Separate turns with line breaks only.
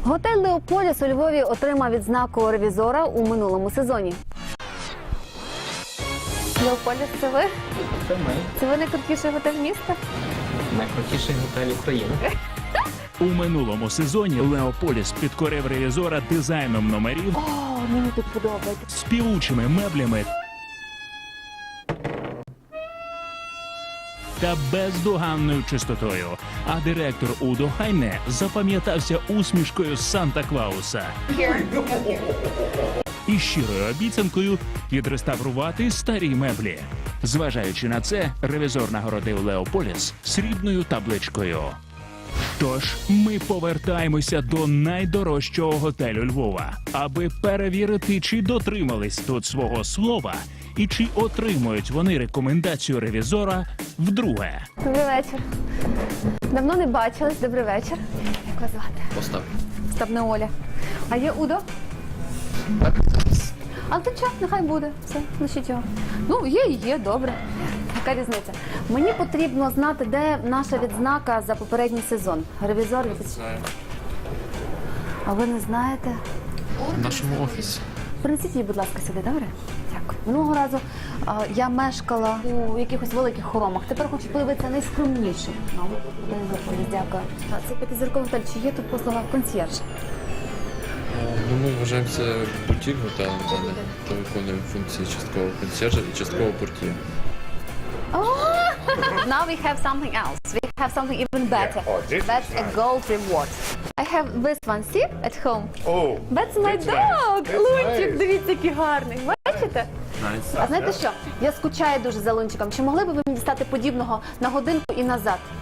Готель «Леополіс» у Львові отримав відзнаку ревізора у минулому сезоні. «Леополіс» – це ви?
Це ми.
Це ви найкрутіший готель міста?
Найкрутіший готель України.
У минулому сезоні Леополіс підкорив ревізора дизайном номерів,
О, мені тут подобається.
співучими меблями та бездоганною чистотою. А директор Удо Хайне запам'ятався усмішкою Санта-Клауса і щирою обіцянкою відреставрувати старі меблі. Зважаючи на це, ревізор нагородив Леополіс срібною табличкою. Тож ми повертаємося до найдорожчого готелю Львова, аби перевірити, чи дотримались тут свого слова і чи отримують вони рекомендацію ревізора вдруге.
Добрий вечір. Давно не бачились. Добрий вечір. Як вас звати?
Остап.
Остап, не Оля. А є Удо?
Так.
А то час, нехай буде. Все, лишіть його. Ну, є і є, добре. Яка різниця? Мені потрібно знати, де наша відзнака за попередній сезон. Ревізор
Знаю.
А ви не знаєте?
В нашому офісі.
Принесіть її, будь ласка, сюди, добре? Дякую. Минулого разу я мешкала у якихось великих хоромах. Тепер хочу подивитися найскромніший. Дякую. Це п'ятизірковий готель. Чи є тут послуга консьєрж?
Ну, ми вважаємося бутік готелем, де виконуємо функції часткового консьержа і часткового портьє.
Now we have something else. We have something even better. That's a gold reward. I have this one. See at home.
Oh,
That's my dog. Лунчик, дивіться, який гарний. Бачите? А знаєте що? Я скучаю дуже за Лунчиком. Чи могли б ви мені дістати подібного на годинку і назад?